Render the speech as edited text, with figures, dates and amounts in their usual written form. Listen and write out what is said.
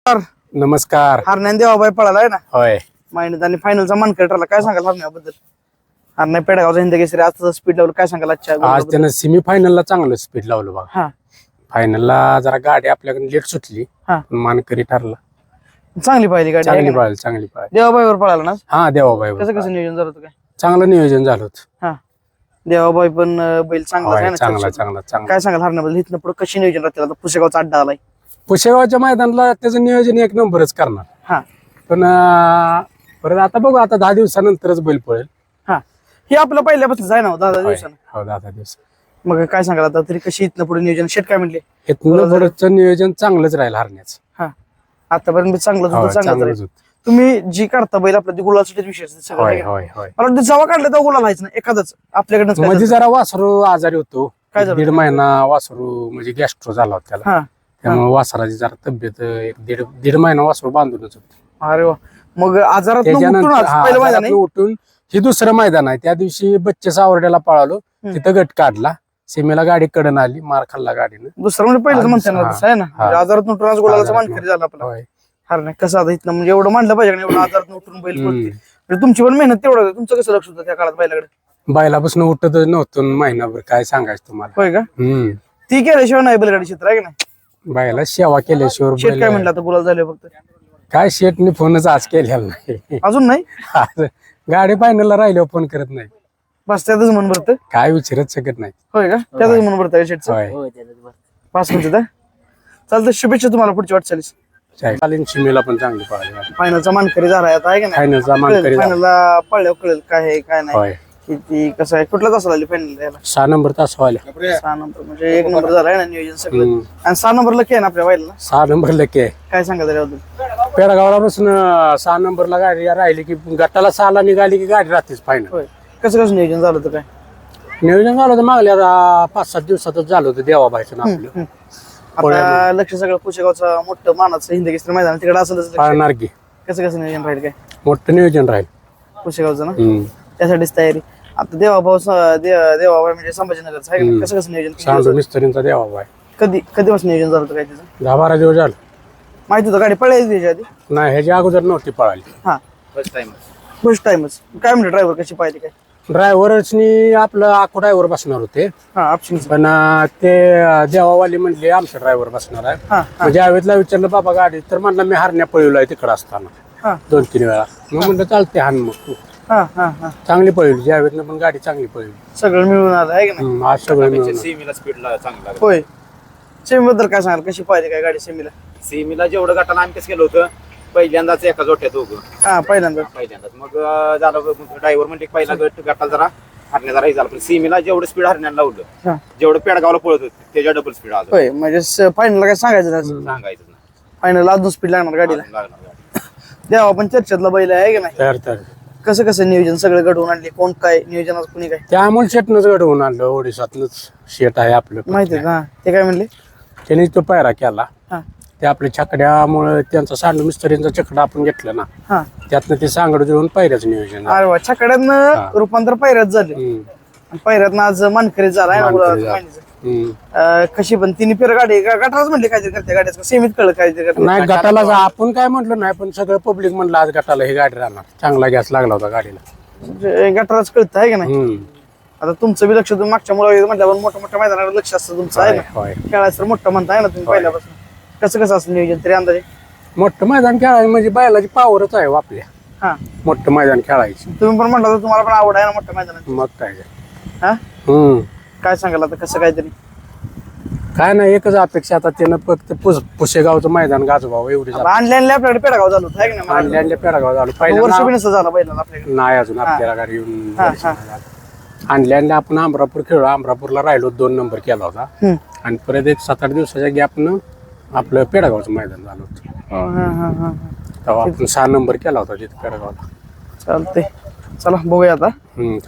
नमस्कार. नमस्कार. हरण्या देवाबाई पळाला आहे ना होय. महिन्यात आणि फायनलचा मानकरी ठरला. काय सांगाल हरण्याबद्दल? हरण्या पेडगावचा हिंद केसरी आज स्पीड लावलं. काय सांगाल आजच्या आज गुलालाबद्दल? त्यानं सेमी फायनलला चांगलं स्पीड लावलं बघा. हा फायनलला जरा गाडी आपल्याकडे लेट सुटली, हा पण मानकरी ठरला. चांगली पाहिली गाडी चांगली आहे का नाही? पळाली, चांगली पळाली. देवाबाईवर पळाला ना? हा देवाबाई कसं कसं नियोजन झालं होतं काय? चांगलं नियोजन झालं होतं. हा देवाबाई पण बैल चांगला आहे होय, ना चांगला चर्चेत. चांगला चांगला. काय सांगाल हरण्याबद्दल? इथनं पुढे कशी नियोजन राहतील? आता पुसेगावचा अड्डा आलाय. पुशेगावच्या मैदानाला त्याचं नियोजन एक नंबरच करणार, हा पण परत आता बघू, आता 10 दिवसानंतरच बैल पळेल. हा हे आपलं पहिल्यापासून आहे ना 10 होय, दिवसानं. हो 10 दिवस. मग काय सांगाल आता तरी कशी इथनं पुढे नियोजन? शेट काय म्हणले? इथनं पुढचं नियोजन चांगलंच राहील हरण्याचं. हा आतापर्यंत चांगलंच होतं, होय, चांगलंच चांगलंच राहील. होतं. तुम्ही जी काढता बैल आपल्या ती गुलासाठी विषय असते सगळं होय आहे का? होय होय. मला वाटतं जेव्हा काढलं तेव्हा गुलाल व्हायचं ना एखादच आपल्याकडनं. मध्ये जरा वासरू आजारी होतो. काय झालं? 1.5 महिना वासरू म्हणजे गॅस्ट्रो झाला होता त्याला. हा त्यामुळे वासराची जरा तब्येत एक दीड महिना वासरू बांधूनच होती. अरे वा. मग आजारात त्याच्यानंतर पहिलं मैदान आहे? उठून हे दुसरं मैदान आहे. त्या दिवशी बच्चे सावर्ड्याला पळालो, तिथं गट काढला. सीमेला गाडी कडन आली, मार खाल्ला गाडीनं. दुसरं म्हणजे पहिलंच म्हणते ना हा, तसं आहे ना. म्हणजे आजारात उठून आज गुलालाचा मानकरी झाला आपला. होय. हर नाही कसं आता इथनं म्हणजे एवढं मानलं पाहिजे का नाही, एवढं आजारात उठून बैल पळते. हम्म. म्हणजे तुमची पण मेहनत तेवढं होतं. तुमचं कसं लक्ष होतं त्या काळात बैलाकडे? बैलापासून उठत नव्हतं महिनाभर, काय सांगायचं तुम्हाला. होय का? ती केल्याशिवाय नाही बैलगाडी क्षेत्र आहे का नाही? बैला सेवा केल्याशिवाय शेट काय बैल- म्हणलं आता गुलाल झाले फक्त? काय शेटने फोनच आज केलेला नाही. अजून नाही? आज गाडी फायनलला राहिल्यावर फोन करत नाही, बस त्यातच मन भरतं. काय विचारत शकत नाही. होय का? त्यातच मन भरतं शेटचं. होय. पाच म्हणते चालतं. शुभेच्छा तुम्हाला पुढची वाटचालीस. चालेल. शिमेला पण चांगली पळाली. फायनलचा मानकरी झाला आता आहे का नाही? फायनलचा मानकरी झाला. फायनलला पळल्यावर कळेल काय आहे काय नाही. होय. किती कसं आहे कुठला तास आली फायनल यायला? 6 नंबर तास व्हायला. 6 नंबर म्हणजे 1 नंबर झालाय ना नियोजन सगळं. आणि 6 नंबरला काय ना आपल्या वाईला 6 नंबर लकी आहे. काय सांगा त्याच्याबद्दल? पेडगावला बसून 6 नंबरला गाडी राहिली की गटाला 6ला निघाली की गाडी राहतेच फायनल. होय. कसं कसं नियोजन झालं होतं काय? नियोजन झालं होतं मागल्या 5-7 दिवसातच झालं होतं देवाबाईचं ना आपलं. आता लक्ष सगळं पुशेगावचं मोठं मानाचं हिंद केसरी मैदान तिकडे असेलच लक्ष. पाळणार की कसं कसं नियोजन राहील काय मोठं नियोजन राहील. पुशेगावचं ना? त्यासाठीच तयारी. आता देवाभाऊ देवाबाई म्हणजे संभाजीनगरचं आहे का? कसं कसं नियोजन? सांडू मिस्त्रींचा देवाबाई. कधीपासून नियोजन झालं होतं काय त्याचं? 10-12 दिवस झालं. माहिती होतं गाडी पळायची त्याच्या आधी? नाही, ह्याच्या अगोदर नव्हती पळाली. हा फर्स्ट टाइमच. काय म्हणते ड्रायव्हर कशी पाहिजे काय? ड्रायव्हरनी आपलं आखो ड्रायव्हर बसणार होते, हा ऑप्शन. पण ते देवावाली म्हणले आमचा ड्रायव्हर बसणार आहे. हा म्हणजे जावेदला विचारलं बाबा गाडी, तर म्हणलं मी हरण्या पळवलाय तिकडं असताना हा 2-3 वेळा. मग म्हणलं चालते हान मग तू. हा हा हा चांगली पळवली जावेदनं पण गाडी, चांगली पळवली. सगळं मिळून आलं आहे का नाही? आज सगळं मिळून. होय. सेमीबद्दल काय सांगाल? कशी पाहिजे काय गाडी सेमीला? सीमीला जेवढं गटाला आम्ही कसं केलं होतं, पहिल्यांदाच एका जोट्यात दोघं हा पहिल्यांदा. पहिल्यांदाच. मग झालं ड्रायव्हर म्हणजे पहिला गटाला जरा हरण्याचा राही झाला, पण सीमीला जेवढं स्पीड हरण्याला लावलं, हा. जेवढं पेडगावला पळत होतं त्याच्या डबल स्पीड आज होय म्हणजे फायनलला काय सांगायचं नाही. सांगायचं नाही. फायनल अजून स्पीड लागणार गाडीला. लागणार गाडी. देवा पण चर्चेतला बैल आहे का नाही? तर कसं कसं नियोजन सगळं घडवून आणले? कोण काय नियोजनाचं कुणी काय त्यामुळे शेटनंच घडवून आणलं. ओडिसातनंच शेट आहे आपलं. माहिती आहे का? ते काय म्हणले? त्याने तो पायरा केला. हा ते आपल्या छकड्यामुळे त्यांचा सांडू मिस्त्रींचा चकडा आपण घेतलं ना, हा. त्यातनं ते सांगड जुळून पायऱ्याचं नियोजन झालं. अरे वा. छकड्यातनं रूपांतर पैऱ्यात झाले. पैऱ्यातनं आज मानकरी झाला आहे ना मानकरी गुलाबाचं झाला. महिन्याचं. कशी पण तिने फेर गाडी गटारच म्हणले काहीतरी करते गाड्याचं सेमीत कळलं काहीतरी करते. नाही गटाला आपण काय म्हटलं नाही, पण सगळं पब्लिक म्हणलं आज गटाला ही गाडी राहणार. चांगला गॅस लागला होता गाडीला. गटारच कळतं आहे का नाही? हम्म. आता तुमचं बी लक्ष तुम्ही मागच्या मुला म्हटल्यावर मोठ्या मोठ्या मैदानावर लक्ष असतं तुमचं आहे ना? होय. खेळायचं तर मोठं म्हणताय ना तुम्ही पहिल्यापासून. कसं कसं असं नियोजन तरी अंदाजे? मोठं मैदान खेळायचं म्हणजे बैलाची पावरच आहे हो आपल्या. हा मोठं मैदान खेळायचं. तुम्ही पण म्हटलं तर तुम्हाला पण आवड आहे ना मोठ्या मैदानात? मग काय ते. हा हम्म. काय सांगाल आता कसं काहीतरी? काय नाही, एकच अपेक्षा आता त्यानं फक्त पुशेगावचं मैदान गाजवावं एवढी आणले आपल्याकडे पेडगाव झालं होतं आहे का नाही? आणल्या पेडगाव झालं वर्ष पहिल्या. बी नसतं झालं बैलाला आपल्याकडे. नाही अजून आपल्याला गाडी येऊन हा, वर्ष नाही झालं. आणल्या आपण अमरापूर खेळलो. अमरापूरला राहिलो, 2 नंबर केला होता. हम्म. आणि परत एक 7-8 दिवसाच्या गॅपनं आपलं पेडगावचं मैदान झालं होतं. हा, हा, हा. तेव्हा आपण 6 नंबर केला होता तिथे पेडगावला. चालतंय. चला बघूया आता.